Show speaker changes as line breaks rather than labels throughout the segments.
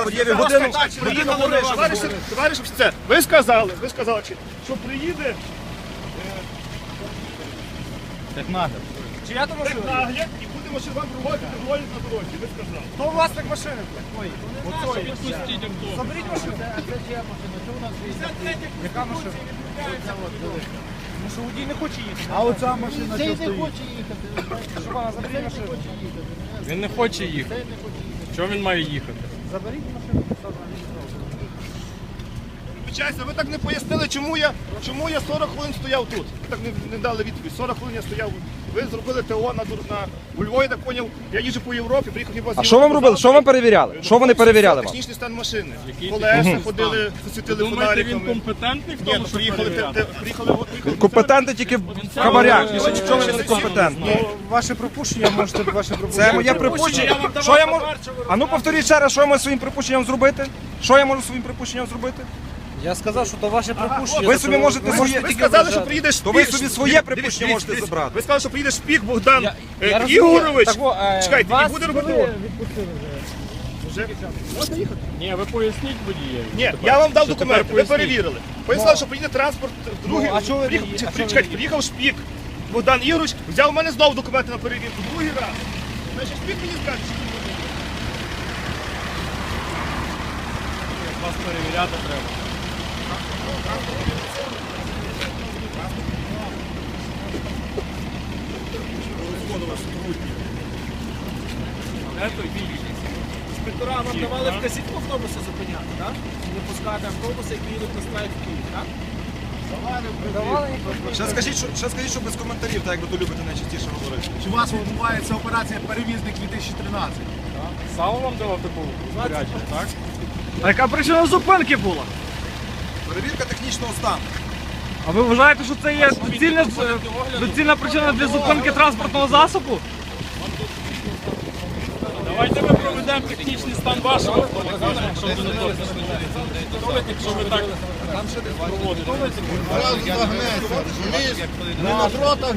Сергій, годину
Товариш офіцер, ви сказали, що приїде
Технагляд.
чия то машина? Технагляд і буде машина вам проводити двоє на дорозі, ви сказали.
Хто власник машини? Ой,
Заберіть машину.
це чия машина? Що у нас є? Яка машина? Тому що водій не хоче їхати. А оця машина що стоїть? Хоче їхати. Що вона, заберіть машину.
Він не хоче їхати. Чого він має їхати?
Заберіть машину.
Вибачайся, ви так не пояснили, чому я 40 хвилин стояв тут. Ви так не дали відповідь. 40 хвилин я стояв. Ви зробили ТО у Львові, я так зрозумів. Я їжджу по Європі, приїхав хіба з
А що вам робили? Що вам перевіряли? Що вони перевіряли вам?
Технічний стан машини. Колеса ходили, засвітили
Думаєте, він
фонариками.
компетентний в
Ні,
тому, що перевіряти?
приїхали.
Компетенти тільки в хабарях. Чого ви не компетентні?
Ваше припущення, можете ваше припущення.
Це моє припущення. Що я можу? А ну повторіть ще раз, що я можу своїм припущенням зробити? Що я можу своїм припущенням зробити?
Я сказав, що то ваше припущення.
Ви собі можете своє...
Ви сказали, що приїде Шпік.
То ви собі своє припущення можете забрати.
Ви сказали, що приїде Шпік Богдан
Я
Ігорович.
розумію.
Чекайте, і буде робити.
Відпустили вже.
Можна їхати?
Ні, ви поясніть водієві.
Ні, я вам дав
Що
документи,
тепер
ви
поясніть?
перевірили. Пояснили, що приїде транспорт другий.
Ну, а чого ви
Чекайте, приїхав Шпік Богдан Ігорович, взяв у мене знову документи на перевірку. Другий раз. Значить, Шпік мені скаже, що він буде.
Вас перевіряти треба.
Інспектора вам давали вказівку автобуси зупиняти, так? Не пускати автобуси, які їдуть на страйк в Київ, так?
Ще скажіть, що без коментарів, так як ви то любите найчастіше говорити.
Чи у вас відбувається операція «Перевізник 2013»?
Сало вам давав таку розпорядження, так?
А яка причина зупинки була?
Перевірка технічного стану.
А ви вважаєте, що це є доцільна причина для зупинки транспортного засобу?
Давайте ми проведемо технічний стан вашого автомобіля, якщо ви не хочете. Якщо ви так проводите.
Не на дротах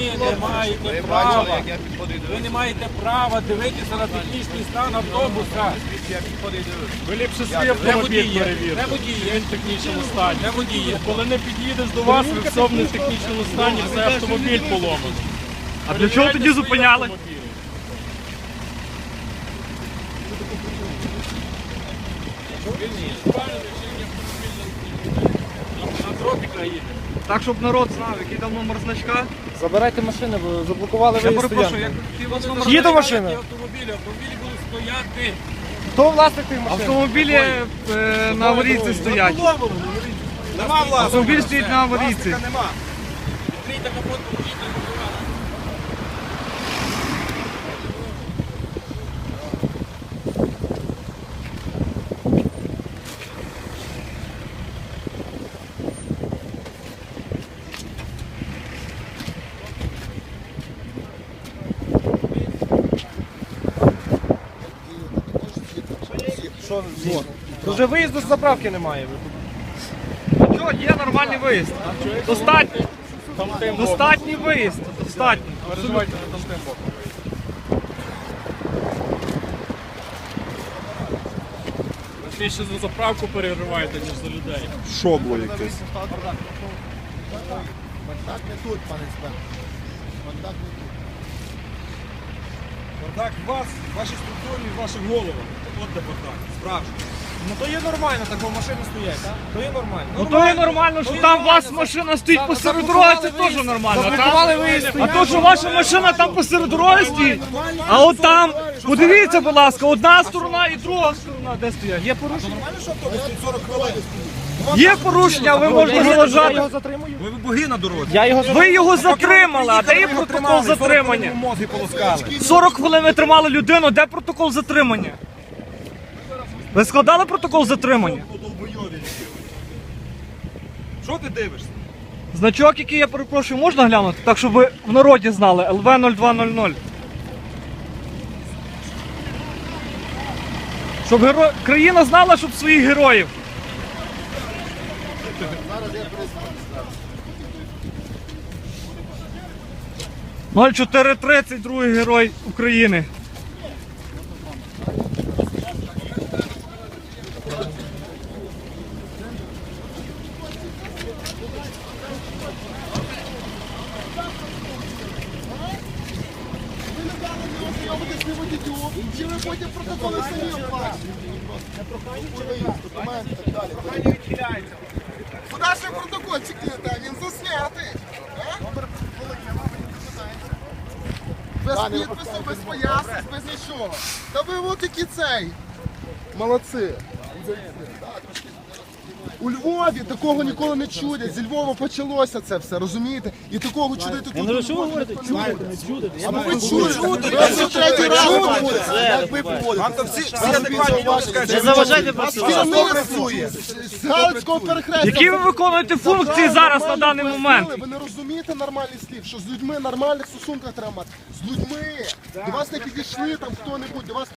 Ви не маєте права дивитися на технічний стан автобуса.
Ви ліпше свій автомобіль перевірте.
Не водіє.
Він в технічному стані.
Не водіє.
Коли не під'їдеш до вас, ви все не в технічному стані, все автомобіль поломаний.
А для чого тоді зупиняли? Так, щоб народ знав, який там номер значка.
Забирайте машини, бо заблокували
Я
виїзд
перепрошую,
стоянки. Їде машина.
Автомобілі будуть стояти.
Хто власник тих машин?
Автомобілі на аварійці стоять.
Нема власного.
Автомобіль стоїть на аварійці.
Нема.
Відкрийте капот, поїдьте.
Вже виїзду з заправки немає.
Що, є нормальний виїзд. Достатній. Достатній виїзд. Достатній.
Переживайте не там тим боком. Ви більше за заправку перериваєте, ніж за людей.
Шобло якесь.
Бардак не тут, пане інспектор. Бардак не тут.
Бардак в вас, в вашій структурі, в ваших головах. От де бардак. Справжній.
Ну то є нормально, так бо машини стоять, так? То є нормально.
Ну то і нормально, що там у вас машина стоїть посеред дороги, це теж нормально.
Заблокували виїзд.
А то, що ваша машина там посеред дороги стоїть, а от там, подивіться, будь ласка, одна сторона і друга сторона, де стоять. Є порушення? Є порушення, ви можете заважати.
Ви боги на дорозі.
Я його
Ви його затримали, а де є протокол затримання?
Мозги полоскали.
40 хвилин ви тримали людину, де протокол затримання? Ви складали протокол затримання?
Що ти дивишся?
Значок, який я перепрошую, можна глянути? Так, щоб ви в народі знали. ЛВ-0200. Щоб країна знала, щоб своїх героїв. Зараз 0430, другий герой України.
потім протоколи самі оплачують. Документи і так далі. Куди ж ви протокольчик кидаєте? Він заснятий. Без підпису, без пояснень, без нічого. Та ви от які цей. Молодці. У Львові такого ніколи не чудять. Зі Львова почалося це все, розумієте? І такого чудити тут. Ну, що ви говорите? А ви чудите. Ви вже третій раз говорите. Як ви поводите?
Вам то всі адекватні люди скажуть.
Не заважайте
Вас керівництво з Галицького перехрестя.
Які ви виконуєте функції зараз на даний момент?
Ви не розумієте нормальних слів, що з людьми в нормальних стосунках треба мати. З людьми. До вас не підійшли там хто-небудь, до вас